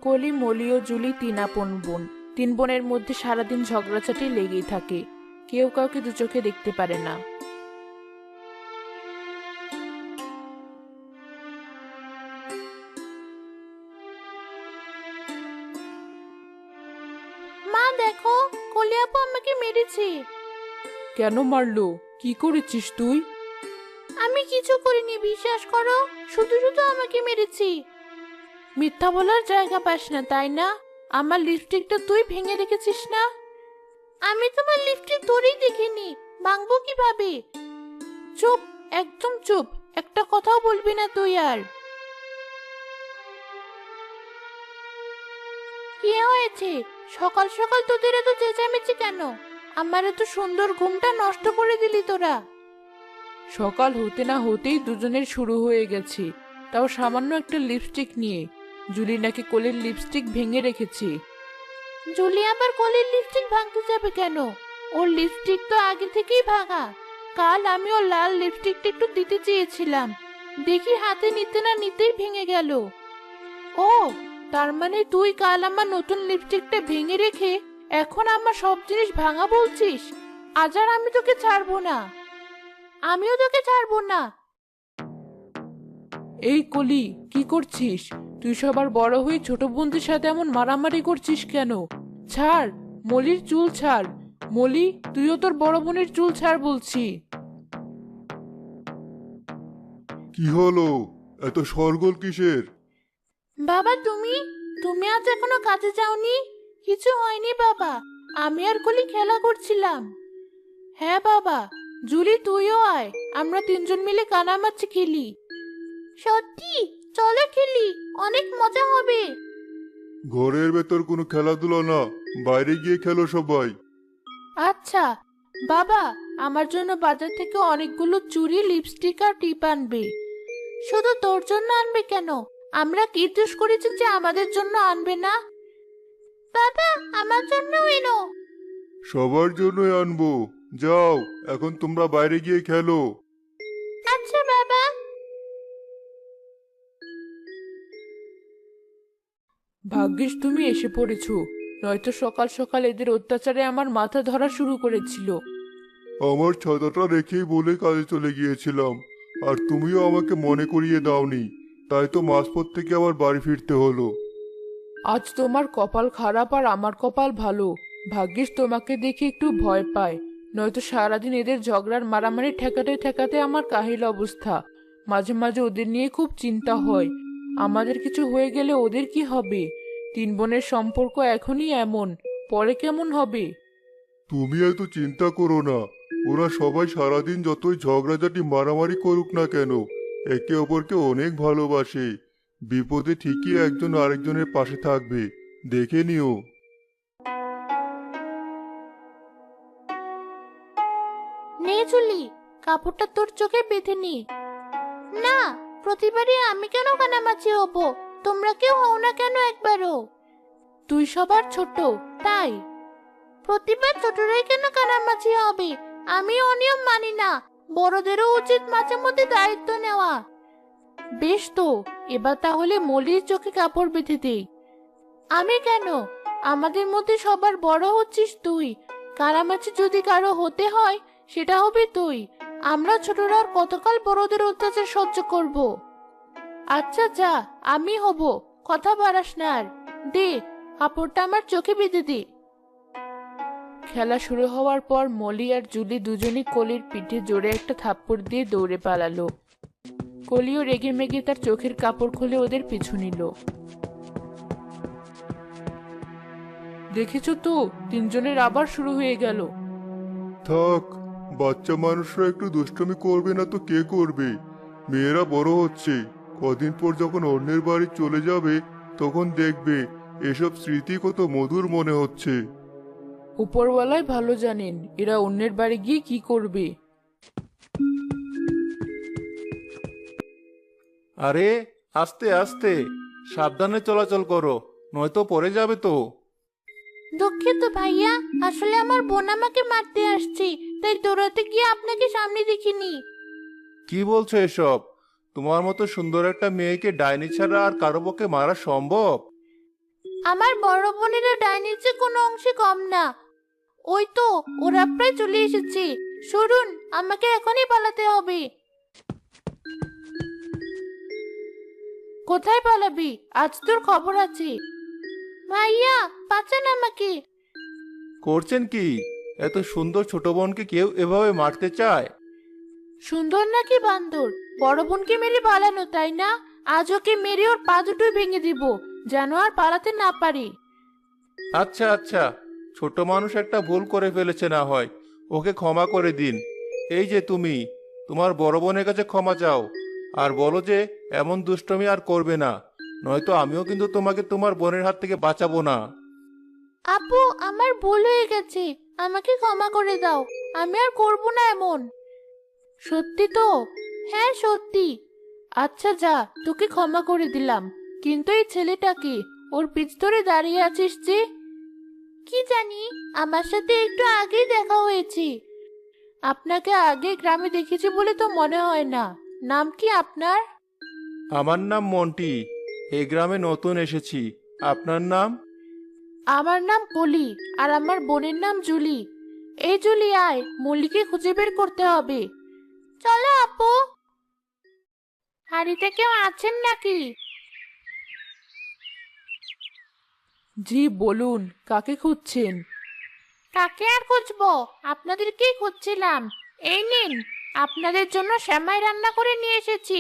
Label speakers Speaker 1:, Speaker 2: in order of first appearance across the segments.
Speaker 1: কলি, মলি ও জুলি তিন আপন বোন। তিন বোনের মধ্যে সারাদিন ঝগড়াঝাটি লেগেই থাকে। কেউ কাউকে দু চোখে দেখতে পারে না। মা দেখো, কলি আপু আমাকে মেরেছে। কেন মারলো? কি করেছিস তুই? আমি কিছু করিনি, বিশ্বাস করো। শুধু শুধু আমাকে মেরেছি। মিথ্যা বলার জায়গা পাস না, তাই না? আমার লিপস্টিকটা তুই ভেঙে রেখেছিস না? আমি তোমার লিপস্টিক ধরেই দেখিনি, ভাঙবো কিভাবে? চুপ, একদম চুপ, একটা কথাও বলবি না তুই আর। কি হয়েছে? সকাল সকাল তোদের এত চেঁচামেচি কেন? আমার এত সুন্দর ঘুমটা নষ্ট করে দিলি তোরা। সকাল হতে না হতেই দুজনের শুরু হয়ে গেছে, তাও সামান্য একটা লিপস্টিক নিয়ে। জুলি নাকি কোলের লিপস্টিক ভেঙে রেখেছে। জুলি আবার কোলের লিপস্টিক ভাঙতে যাবে কেন? ওর লিপস্টিক তো আগে থেকেই ভাঙা। কাল আমি ওর লাল লিপস্টিকটা একটু দিতে চেয়েছিলাম, দেখি হাতে নিতে না নিতেই ভেঙে গেল। ও, তার মানে তুই কাল আমার নতুন লিপস্টিকটা ভেঙে রেখে এখন আমার সব জিনিস ভাঙা বলছিস? আজ আর আমি তোকে ছাড়বো না। আমিও তোকে ছাড়বো না। এই কলি, কি করছিস তুই? সবার বড় হয়ে ছোট বোনদের সাথে এমন মারামারি করছিস কেন? ছাড়, মলির চুল ছাড়। মলি, তুইও তোর বড় বোনের চুল ছাড় বলছি।
Speaker 2: কি হলো? এত শোরগোল কিসের?
Speaker 1: বাবা, তুমি তুমি আজ এখনো কাজে যাওনি? কিছু হয়নি বাবা, আমি আর কলি খেলা করছিলাম। হ্যাঁ বাবা, জুলি তুইও আয়, আমরা তিনজন মিলে কানামাছি খেলি। সত্যি? চলো খেলি, অনেক মজা হবে।
Speaker 2: ঘরের ভেতর কোনো খেলাধুলা না, বাইরে গিয়ে খেলো সবাই।
Speaker 1: আচ্ছা বাবা, আমার জন্য বাজার থেকে অনেকগুলো চুড়ি, লিপস্টিক আর টিপ আনবে। শুধু তোর জন্য আনবে কেন? আমরা কি দোষ করেছি যে আমাদের জন্য আনবে না? বাবা, আমার জন্য এনো।
Speaker 2: সবার জন্যই আনবো। যাও, এখন তোমরা বাইরে গিয়ে খেলো।
Speaker 1: আচ্ছা বাবা। ভাগ্যিস তুমি এসে পড়েছো, নয়তো সকাল সকাল এদের অত্যাচারে আমার মাথা ধরা শুরু করেছিল।
Speaker 2: আমার ছাতাটা রেখেই বলে কাজে চলে গিয়েছিলাম, আর তুমিও আমাকে মনে করিয়ে দাওনি, তাই তো মাঝপথ থেকে আবার বাড়ি ফিরতে হলো।
Speaker 1: আজ তোমার কপাল খারাপ আর আমার কপাল ভালো। ভাগ্যিস তোমাকে দেখে একটু ভয় পায়, নয়তো সারাদিন এদের ঝগড়ার মারামারি ঠেকাতে ঠেকাতে আমার কাহিল অবস্থা। মাঝে মাঝে ওদের নিয়ে খুব চিন্তা হয়, আমাদের কিছু হয়ে গেলে ওদের কি হবে? তিন বোনের সম্পর্ক এখনই এমন, পরে কেমন হবে?
Speaker 2: তুমি এত চিন্তা করো না। ওরা সবাই সারাদিন যতই ঝগড়াঝাটি মারামারি করুক না কেন, একে অপরকে অনেক ভালোবাসে। বিপদে ঠিকই একজন আরেকজনের পাশে থাকবে, দেখে নিও।
Speaker 1: নে চুলি, কাপড়টা তোর চোখে বেঁধে নি। না, প্রতিবারই আমি কেন কানামাছি হব? তোমরা কেউ হও না কেন একবারও? তুই সবার ছোট, তাই। প্রতিবার ছোটরাই কেন কানামাছি হবে? আমি অনিয়ম মানি না। বড়দেরও উচিত মাঝে মধ্যে দায়িত্ব নেওয়া। বেশ তো, এবার তাহলে মলির চোখে কাপড় বেঁধে দেই। আমি কেন? আমাদের মধ্যে সবার বড় হচ্ছিস তুই। কানামাছি যদি কারো হতে হয়, সেটা হবে তুই। আমরা ছোটরা আর কতকাল বড়দের অত্যাচার সহ্য করব? আচ্ছা যা, আমি হব, কথা বাড়াস না আর। দে, কাপড়টা আমার চোখে বেঁধে দে। খেলা শুরু হওয়ার পর মলি আর জুলি দুজনই কলির পিঠে জোরে একটা থাপ্পড় দিয়ে দৌড়ে পালালো। কলিও রেগে মেগে তার চোখের কাপড় খুলে ওদের পিছু নিল। দেখেছো তো, তিনজনের আবার শুরু হয়ে গেল।
Speaker 2: থাক, বাচ্চা মানুষরা একটু দুষ্টুমি করবে না তো কে করবে? মেয়েরা বড় হচ্ছে, কদিন পর যখন অন্যের বাড়ি চলে যাবে, তখন দেখবে এসব স্মৃতি কত মধুর মনে হচ্ছে।
Speaker 1: উপরওয়ালাই ভালো জানেন এরা অন্যের বাড়ি গিয়ে কি করবে।
Speaker 3: আরে, আস্তে আস্তে, সাবধানে চলাচল করো, নয়তো পড়ে যাবে তো।
Speaker 1: দুঃখিত ভাইয়া, আসলে আমার বোন আমাকে মারতে আসছে, তাই দৌড়াতে গিয়ে আপনাকে সামনে দেখিনি।
Speaker 3: কি বলছো এসব? তোমার মতো সুন্দর একটা মেয়েকে ডাইনি ছাড়া আর কারো পক্ষে মারা সম্ভব?
Speaker 1: আমার বড় বোনেরা ডাইনির চেয়ে কোনো অংশে কম না। ওই তো ওরা প্রায় চলে এসেছে। সরুন, আমাকে এখনই পালাতে হবে। কোথায় পালাবি? আজ তোর খবর আছে। ভাইয়া, বাঁচান আমাকে।
Speaker 3: করছেন কি? এত সুন্দর ছোট বোনকে কেউ এভাবে মারতে চায়?
Speaker 1: সুন্দর নাকি বান্দর? বড় বোনকে মেরে পালানো, তাই না? আজ ওকে মেরে ওর পা দুটোই ভেঙে দিব, যেন আর পালাতে না পারি।
Speaker 3: আচ্ছা আচ্ছা, ছোট মানুষ একটা ভুল করে ফেলেছে না হয়, ওকে ক্ষমা করে দিন। এই যে তুমি, তোমার বড় বোনের কাছে ক্ষমা চাও আর বলো যে এমন দুষ্টমি আর করবে না, নয়তো আমিও কিন্তু তোমাকে তোমার বোনের হাত থেকে বাঁচাবো না।
Speaker 1: আপু, আমার ভুল হয়ে গেছে, আমাকে ক্ষমা করে দাও। আমি আর করব না এমন। সত্যি তো? হ্যাঁ সত্যি। আচ্ছা যা, তোকে ক্ষমা করে দিলাম। কিন্তু এই ছেলেটাকে, ওর পিছ ধরে দাঁড়িয়ে আছিস যে? কি জানি, আমার সাথে একটু আগেই দেখা হয়েছে। আপনাকে আগে গ্রামে দেখেছি বলে তো মনে হয় না। নাম কি আপনার?
Speaker 3: আমার নাম মন্টি, এই গ্রামে নতুন এসেছি। আপনার নাম?
Speaker 1: আমার নাম কলি, আর আমার বোনের নাম জুলি। এই জুলি, আয়, মল্লিকে খুঁজে বের করতে হবে। চলো আপু। হাড়িতে কেউ আছেন নাকি?
Speaker 4: জি বলুন, কাকে খুঁজছেন?
Speaker 1: কাকে আর খুঁজবো, আপনাদেরকেই খুঁজছিলাম। এই নিন, আপনাদের জন্য সেমাই রান্না করে নিয়ে এসেছি।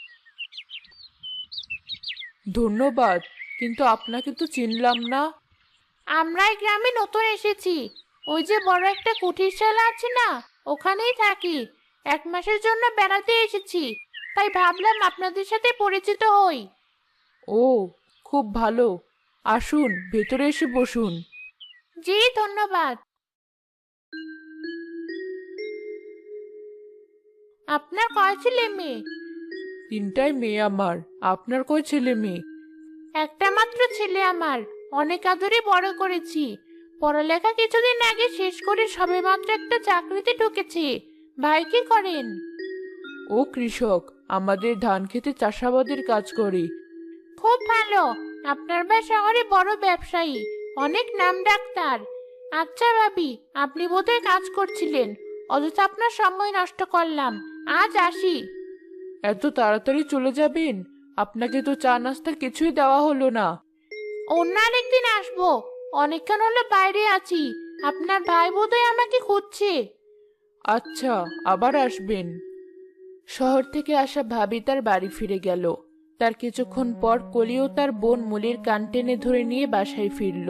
Speaker 4: ধন্যবাদ, কিন্তু আপনাকে তো চিনলাম না।
Speaker 1: আমরা এই গ্রামে নতুন এসেছি। ওই যে বড় একটা কুঠিরশালা আছে না, ওখানেই থাকি। 1 মাসের জন্য বেড়াতে এসেছি, তাই ভাবলাম আপনাদের সাথে পরিচিত হই।
Speaker 4: ও, খুব ভালো। আসুন, ভেতরে এসে বসুন।
Speaker 1: জি ধন্যবাদ। আপনার কয় ছেলে মেয়ে?
Speaker 4: 3টাই মেয়ে আমার। আপনার কয় ছেলে মেয়ে?
Speaker 1: একটা মাত্র ছেলে আমার। অনেক আদরে বড় করেছি। পড়ালেখা কিছুদিন আগে শেষ করে সবেমাত্র একটা চাকরিতে ঢুকেছে। ভাই কি করেন?
Speaker 4: ও কৃষক, আমাদের ধান খেতে চাষাবাদের কাজ করে।
Speaker 1: খুব ভালো। আপনার ভাই শহরে বড় ব্যবসায়ী, অনেক নাম ডাক্তার। আচ্ছা ভাবি, আপনি বোধহয় কাজ করছিলেন, অযথা আপনার সময় নষ্ট করলাম। আজ আসি।
Speaker 4: এত তাড়াতাড়ি চলে যাবেন? আপনাকে তো চা নাস্তা কিছুই দেওয়া হলো না।
Speaker 1: অন্য আরেকদিন আসবো। অনেকক্ষণ হলো বাইরে আছি। আপনার ভাই বোধহয় আমাকে খুঁজছে।
Speaker 4: আচ্ছা, আবার আসবেন। শহর থেকে আসা ভাবি তার বাড়ি ফিরে গেল। তার কিছুক্ষণ পর কলিও তার বোন মুলির কান টেনে ধরে নিয়ে বাসায় ফিরল।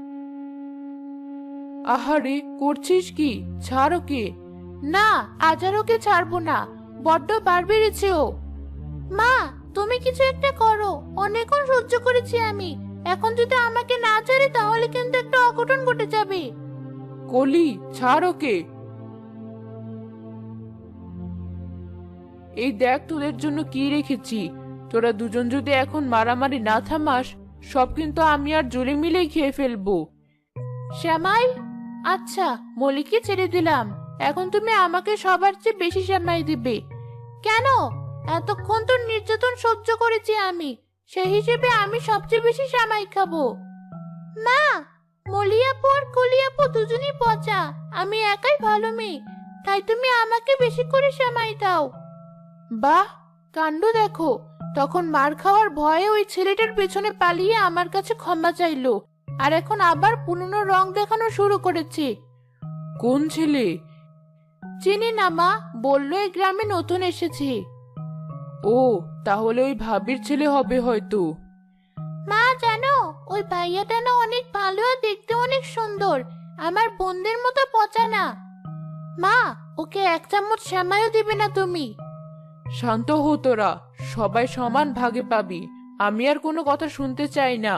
Speaker 4: আহারে, করছিস কি? ছাড় ওকে।
Speaker 1: না, আজ আর ওকে ছাড়বো না। বড্ড বার বেড়েছে ও। মা, তুমি কিছু একটা করো। অনেকক্ষণ সহ্য করেছি আমি। এখন যদি আমাকে না ছাড়ে তাহলে কিন্তু একটা অঘটন ঘটে যাবে।
Speaker 4: কলি, ছাড় ওকে। এই দেখ তোদের জন্য কি রেখেছি। তোরা দুজন যদি এখন মারামারি না থামাস, সব কিন্তু আমি আর জুলি মিলেই খেয়ে ফেলবো।
Speaker 1: শ্যামাই? আচ্ছা, মলিকে ছেড়ে দিলাম। এখন তুমি আমাকে সবার চেয়ে বেশি শ্যামাই দিবে। কেন? এতক্ষণ তো নির্যাতন সহ্য করেছি আমি, সেই হিসেবে আমি সবচেয়ে বেশি শ্যামাই খাবো। মা, মলিয়াপু আর কলিয়াপু দুজনই পচা। আমি একাই ভালো মেয়ে, তাই তুমি আমাকে বেশি করে শ্যামাই দাও। বাহ, কাণ্ড দেখো! তখন মার খাওয়ার ভয়ে ওই ছেলেটার পেছনে পালিয়ে আমার কাছে ক্ষমা চাইলো, আর এখন আবার পুরনো রং দেখানো শুরু করেছে।
Speaker 4: কোন ছেলে?
Speaker 1: চিনি না মা, বললো এই গ্রামে নতুন এসেছে।
Speaker 4: ও, তাহলে ওই ভাবির ছেলে হবে হয়তো।
Speaker 1: মা জানো, ওই ভাইয়াটা না অনেক ভালো আর দেখতে অনেক সুন্দর। আমার বোনদের মতো পচা না। মা, ওকে 1 চামচ শ্যামাইও দিবে না তুমি?
Speaker 4: শান্ত হো তোরা, সবাই সমান ভাগে পাবি। আমি আর কোনো কথা শুনতে চাই না।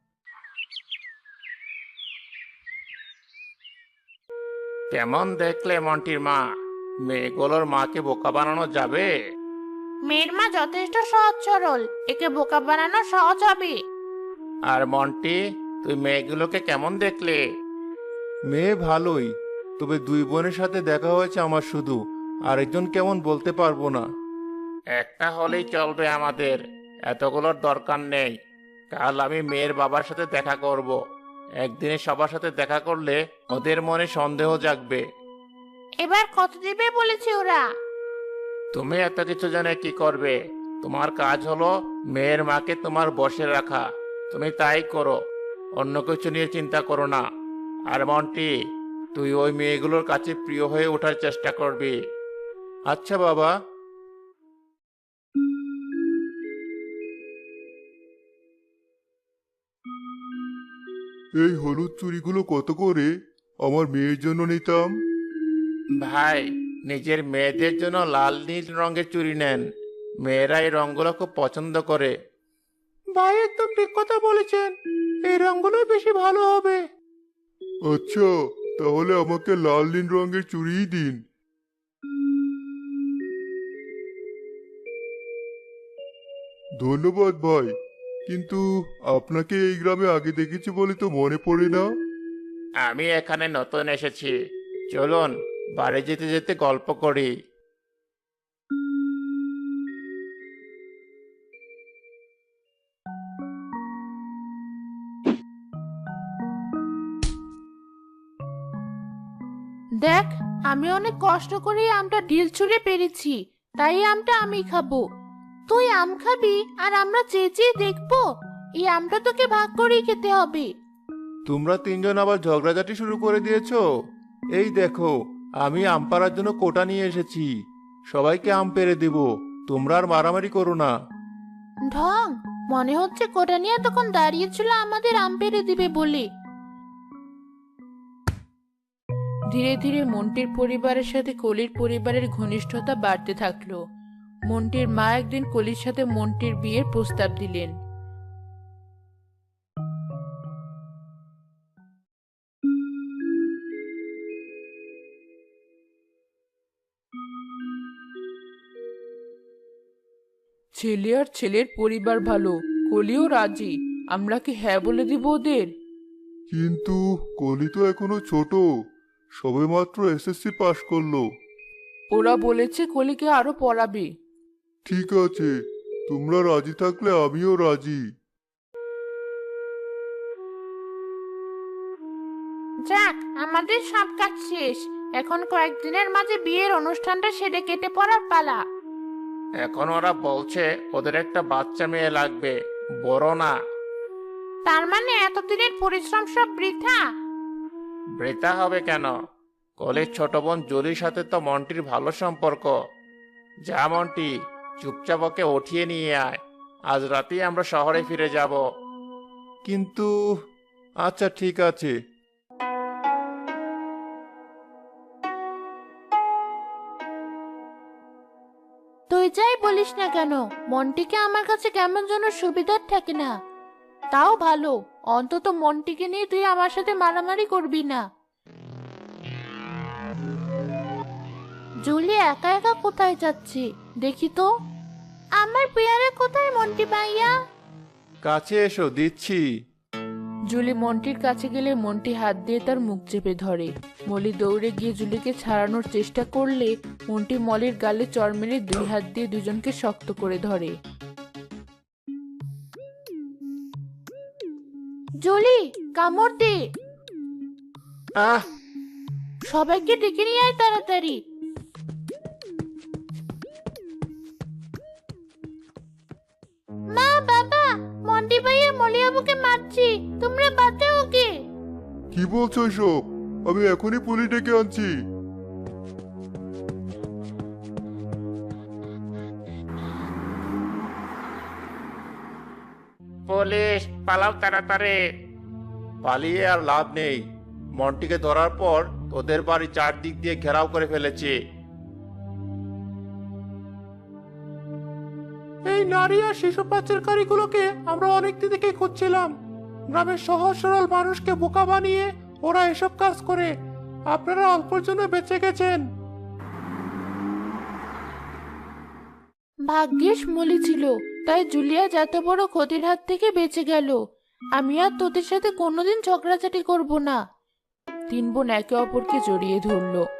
Speaker 3: কেমন দেখলে মন্টির মা? মেয়েগুলোর মাকে বোকা বানানো যাবে?
Speaker 1: মেয়ের মা যথেষ্ট সহজ সরল, একে বোকা বানানো সহজ হবে।
Speaker 3: আর মন্টি, তুই মেয়েগুলোকে কেমন দেখলে? মেয়ে ভালোই, তবে 2 বোনের সাথে দেখা হয়েছে আমার শুধু, আরেকজন কেমন বলতে পারবো না। একটা হলেই চলবে আমাদের, এতগুলোর দরকার নেই। কাল আমি মেয়ের বাবার সাথে দেখা করব। একদিনে সবার সাথে দেখা করলে ওদের মনে সন্দেহ জাগবে।
Speaker 1: এবার কত দিবে বলেছে ওরা?
Speaker 3: তুমি এত কিছু জেনে কি করবে? তোমার কাজ হলো মেয়ের মাকে তোমার বশে রাখা। তুমি তাই করো, অন্য কিছু নিয়ে চিন্তা করো না। আর মন্টি, তুই ওই মেয়েগুলোর কাছে প্রিয় হয়ে ওঠার চেষ্টা করবি। আচ্ছা বাবা।
Speaker 2: এই হলুদ চুড়িগুলো কত করে? আমার মেয়ের জন্য নিতাম।
Speaker 3: ভাই, নিজের মেয়েদের জন্য লাল নীল রঙের চুড়ি নেন। মেয়েরা এই রঙগুলো খুব পছন্দ করে। ভাই একদম ঠিক কথা বলেছেন, এই রঙগুলোই বেশি ভালো হবে।
Speaker 2: আচ্ছা, তাহলে আমাকে লাল নীল রঙের চুড়িই দিন। ধন্যবাদ ভাই, কিন্তু আপনাকে এই গ্রামে আগে দেখেছি বলে তো মনে পড়ে না।
Speaker 3: আমি এখানে নতুন এসেছি, চলুন বাড়ি যেতে যেতে গল্প করি।
Speaker 1: দেখ, আমি অনেক কষ্ট করে এই আমটা ঢিল ছুঁড়ে পেরেছি, তাই এই আমটা আমি খাবো। তুই আম খাবি আর আমরা চেয়ে চেয়ে দেখবো? এই আমটা তোকে ভাগ করেই খেতে হবে।
Speaker 3: তোমরা তিনজন আবার ঝগড়াঝাটি শুরু করে দিয়েছো। এই দেখো, আমি আম পাড়ার জন্য কোটা নিয়ে এসেছি, সবাইকে আম পেড়ে দেব। তোমরা আর মারামারি করো না।
Speaker 1: ঢং, মনে হচ্ছে কোটা নিয়ে তখন দাঁড়িয়েছিল আমাদের আম পেড়ে দিবে বলে।
Speaker 4: ধীরে ধীরে মন্টির পরিবারের সাথে কলির পরিবারের ঘনিষ্ঠতা বাড়তে থাকলো। মন্টির মা একদিন কলির সাথে মন্টির বিয়ের প্রস্তাব দিলেন। ছেলে আর ছেলের পরিবার ভালো, কলিও রাজি। আমরা কি হ্যাঁ বলে দিব ওদের?
Speaker 2: কিন্তু কলি তো এখনো ছোট, সবেমাত্র এসএসসি পাশ করলো।
Speaker 4: ওরা বলেছে কলিকে আরো পড়াবে।
Speaker 2: ঠিক আছে, তোমরা রাজি থাকলে আমিও রাজি।
Speaker 1: যাক, আমাদের সব কাজ শেষ। এখন কয়েকদিনের মাঝে বিয়ের অনুষ্ঠানটা সেরে কেটে পড়ার পালা।
Speaker 3: এখন ওরা বলছে ওদের একটা বাচ্চা মেয়ে লাগবে, বড় না।
Speaker 1: তার মানে এতদিনের পরিশ্রম সব বৃথা?
Speaker 3: বৃথা হবে কেন? কলের ছোট বোন জলির সাথে তো মন্টির ভালো সম্পর্ক। যা মন্টি, চুপচাপ ওকে উঠিয়ে নিয়ে আয়। আজ রাতেই আমরা শহরে ফিরে যাব।
Speaker 2: কিন্তু আচ্ছা, ঠিক আছে।
Speaker 1: তুই যাই বলিস না কেন, মন্টিকে আমার কাছে কেমন যেন সুবিধার থাকে না। তাও ভালো, অন্তত মন্টিকে নিয়ে তুই আমার সাথে মারামারি করবি না। জুলি একা একা কোথায় যাচ্ছে দেখি তো। আমার পেয়ারা কোথায় মন্টি ভাইয়া?
Speaker 3: কাছে এসো, দিচ্ছি।
Speaker 4: জুলি মন্টির কাছে গেলে মন্টি হাত দিয়ে তার মুখ চেপে ধরে। মলি দৌড়ে গিয়ে জুলিকে ছাড়ানোর চেষ্টা করলে মন্টি মলির গালে চড় মেরে দুই হাত দিয়ে দুজনকে শক্ত করে ধরে।
Speaker 1: জুলি, কামড় দে।
Speaker 3: আহ!
Speaker 1: সবাইকে ডেকে নিয়ে আয় তাড়াতাড়ি। মা, বাবা, মন্টি ভাইয়া মলি আবুকে মারছি, তোমরা বাঁচাও ওকে।
Speaker 2: কি বলছো এসব? আমি এখনই পুলিশ ডেকে আনছি।
Speaker 3: পুলিশ, পালাও তাড়াতাড়ি। পালিয়ে আর লাভ নেই। মন্টিকে ধরার পর তোদের বাড়ি চারদিক দিয়ে ঘেরাও করে ফেলেছে। এই নারী আর শিশু পাচারকারীগুলোকে আমরা অনেকদিন থেকে খুঁজছিলাম। গ্রামের সহজ সরল মানুষকে বোকা বানিয়ে ওরা এসব কাজ করে। আপনারা অল্পের জন্য বেঁচে গেছেন।
Speaker 1: ভাগ্যিস মলি ছিল, তাই জুলিয়া যত বড় ক্ষতির হাত থেকে বেঁচে গেল। আমি আর তোদের সাথে কোনোদিন ঝগড়াঝাটি করব না।
Speaker 4: তিন বোন একে অপরকে জড়িয়ে ধরলো।